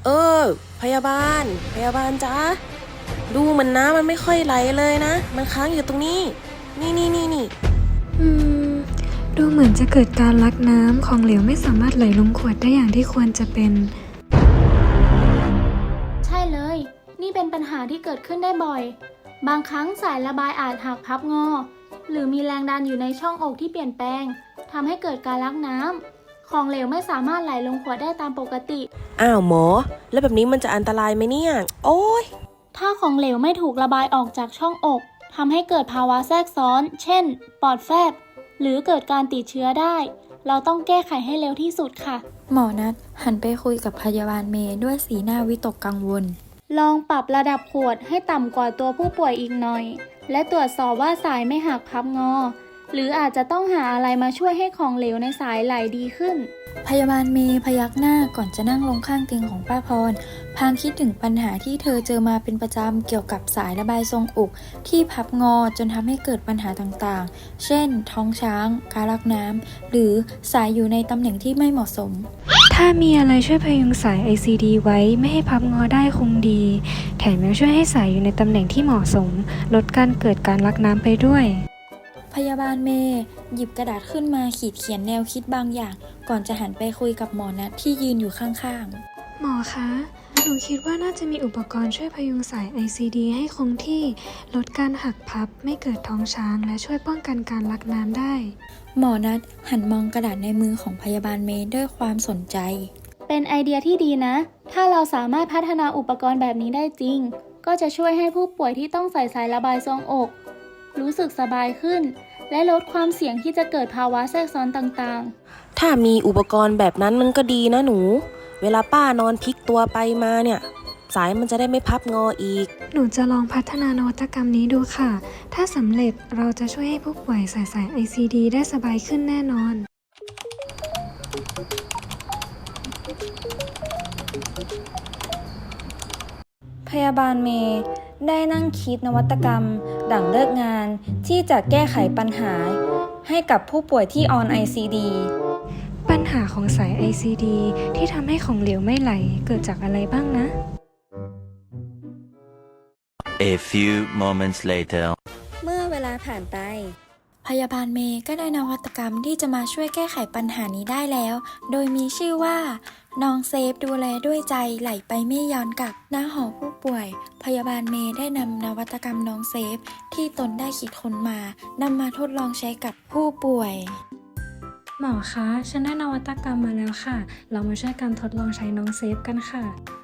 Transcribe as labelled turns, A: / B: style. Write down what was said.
A: เออพยาบาลจ๊ะดูเหมือนน้ำมันไม่ค่อยไหลเลยนะมันค้างอยู่ตรงนี้นี่
B: อืมดูเหมือนจะเกิดการลักน้ำของเหลวไม่สามารถไหลลงขวดได้อย่างที่ควรจะเป็น
C: ใช่เลย นี่เป็นปัญหาที่เกิดขึ้นได้บ่อย บางครั้งสายระบายอาจหักพับงอ หรือมีแรงดันอยู่ในช่องอกที่เปลี่ยนแปลง ทำให้เกิดการลักน้ำ ของเหลวไม่สามารถไหลลงขวดได้ตามปกติ
A: อ้าวหมอแล้วแบบนี้มันจะอันตรายไหมเนี่ยโอ้ย
C: ถ้าของเหลวไม่ถูกระบายออกจากช่องอกทำให้เกิดภาวะแทรกซ้อน เช่น ปอดแฟบ หรือเกิดการติดเชื้อได้ เราต้องแก้ไขให้เร็วที่สุดค่ะ
D: หมอนัดหันไปคุยกับพยาบาลเมย์ด้วยสีหน้าวิตกกังวล
C: ลองปรับระดับขวดให้ต่ำกว่าตัวผู้ป่วยอีกหน่อย และตรวจสอบว่าสายไม่หักพับงอ หรืออาจจะต้องหาอะไรมาช่วยให้ของเหลวในสายไหลดีขึ้น
D: พยาบาลเมย์พยักหน้าก่อนจะนั่งลงข้างเตียงของป้าพรพลางคิดถึงปัญหาที่เธอเจอมาเป็นประจำเกี่ยวกับสายระบายทรงอกที่พับงอจนทำให้เกิดปัญหาต่างๆ เช่น ท้องช้าง การลักน้ำหรือสายอยู่ในตำแหน่งที่ไม่เหมาะสม
B: ถ้ามีอะไรช่วยพยุงสาย ICD ไว้ไม่ให้พับงอได้คงดี แถมยังช่วยให้สายอยู่ในตำแหน่งที่เหมาะสม ลดการเกิดการลักน้ำไปด้วย
D: พยาบาลเมย์หยิบกระดาษขึ้นมาขีดเขียนแนวคิดบางอย่าง ก่อนจะหันไปคุยกับหมอนัทที่ยืนอยู่ข้างๆ
B: หมอคะ หนูคิดว่าน่าจะมีอุปกรณ์ช่วยพยุงสาย ICD ให้คงที่ ลดการหักพับ ไม่เกิดท้องช้าง และช่วยป้องกันการลักน้ำได้
D: หมอนัทหันมองกระดาษในมือของพยาบาลเมย์ด้วยความสนใจ
C: เป็นไอเดียที่ดีนะ ถ้าเราสามารถพัฒนาอุปกรณ์แบบนี้ได้จริง ก็จะช่วยให้ผู้ป่วยที่ต้องใส่สายระบายทรวงอก รู้สึกสบายขึ้น และลดความเสี่ยงที่จะเกิดภาวะแทรกซ้อนต่างๆ
A: ถ้ามีอุปกรณ์แบบนั้นมันก็ดีนะหนูเวลาป้านอนพลิกตัวไปมาเนี่ยสายมันจะได้ไม่พับงออีก
B: หนูจะลองพัฒนานวัตกรรมนี้ดูค่ะ ถ้าสำเร็จเราจะช่วยให้ผู้ป่วยใส่สาย ICD ได้สบายขึ้นแน่นอน
D: พยาบาลเมย์ได้นั่งคิดนวัตกรรมหลังเลิกงานที่จะแก้ไขปัญหาให้กับผู้ป่วยที่ออน ICD
B: ปัญหาของสาย ICD ที่ทำให้ของเหลวไม่ไหลเกิดจากอะไรบ้างนะ
E: A few moments later
D: เมื่อเวลาผ่านไป พยาบาลเมย์ก็ได้นวัตกรรมที่จะมาช่วยแก้ไขปัญหานี้ได้แล้ว โดยมีชื่อว่าน้องเซฟดูแลด้วยใจไหลไปไม่ย้อนกลับณหอผู้ป่วย พยาบาลเมย์ได้นำนวัตกรรมน้องเซฟที่ตนได้คิดค้นมานำมาทดลองใช้กับผู้ป่วย
B: หมอคะ ฉันได้นวัตกรรมมาแล้วค่ะ เรามาช่วยกันทดลองใช้น้องเซฟกันค่ะ